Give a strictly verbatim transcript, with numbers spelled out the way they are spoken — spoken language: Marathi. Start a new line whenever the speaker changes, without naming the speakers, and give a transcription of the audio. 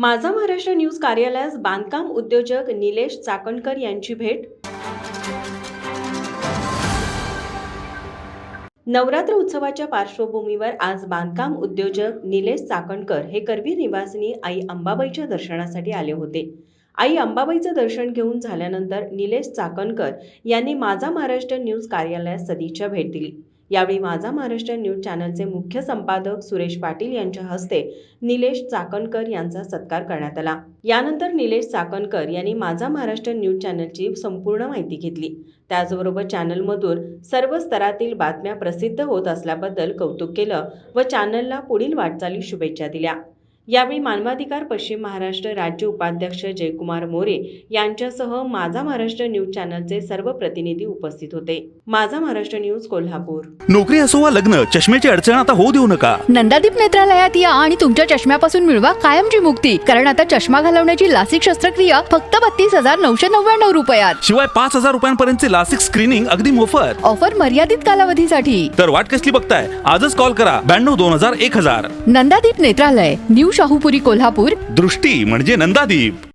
माझा महाराष्ट्र न्यूज कार्यालयास बांधकाम उद्योजक निलेश चाकणकर यांची भेट। नवरात्र उत्सवाच्या पार्श्वभूमीवर आज बांधकाम उद्योजक निलेश चाकणकर हे करवीर निवासिनी आई अंबाबाईच्या दर्शनासाठी आले होते। आई अंबाबाईचं दर्शन घेऊन झाल्यानंतर निलेश चाकणकर यांनी माझा महाराष्ट्र न्यूज कार्यालयास सदिच्छा भेट दिली। यावेळी माझा महाराष्ट्र न्यूज चॅनलचे मुख्य संपादक सुरेश पाटील यांच्या हस्ते निलेश चाकणकर यांचा सत्कार करण्यात आला। यानंतर निलेश चाकणकर यांनी माझा महाराष्ट्र न्यूज चॅनलची संपूर्ण माहिती घेतली। त्याचबरोबर चॅनलमधून सर्व स्तरातील बातम्या प्रसिद्ध होत असल्याबद्दल कौतुक केलं व चॅनलला पुढील वाटचाली शुभेच्छा दिल्या। यावेळी मानवाधिकार पश्चिम महाराष्ट्र राज्य उपाध्यक्ष जयकुमार मोरे यांच्यासह माझा महाराष्ट्र न्यूज चॅनलचे सर्व प्रतिनिधी उपस्थित होते। माझा महाराष्ट्र न्यूज कोल्हापूर।
नोकरी असो वा लग्न, चष्म्याची अडचण आता होऊ देऊ नका।
नंदादीप नेत्रालयात या आणि तुमच्या चष्म्यापासून मिळवा कायमची मुक्ती, कारण आता चष्मा घालवण्याची लासिक शस्त्रक्रिया फक्त बत्तीस हजार नऊशे नव्याण्णव रुपयात।
शिवाय पाच हजार रुपयांपर्यंतचे लासिक स्क्रीनिंग अगदी मोफत।
ऑफर मर्यादित कालावधीसाठी।
तर वाट कसली बघताय, आजच कॉल करा ब्याण्णव दोन हजार एक हजार।
नंदादीप नेत्रालय, न्यू शाहूपुरी कोल्हापूर।
दृष्टी म्हणजे नंदादीप।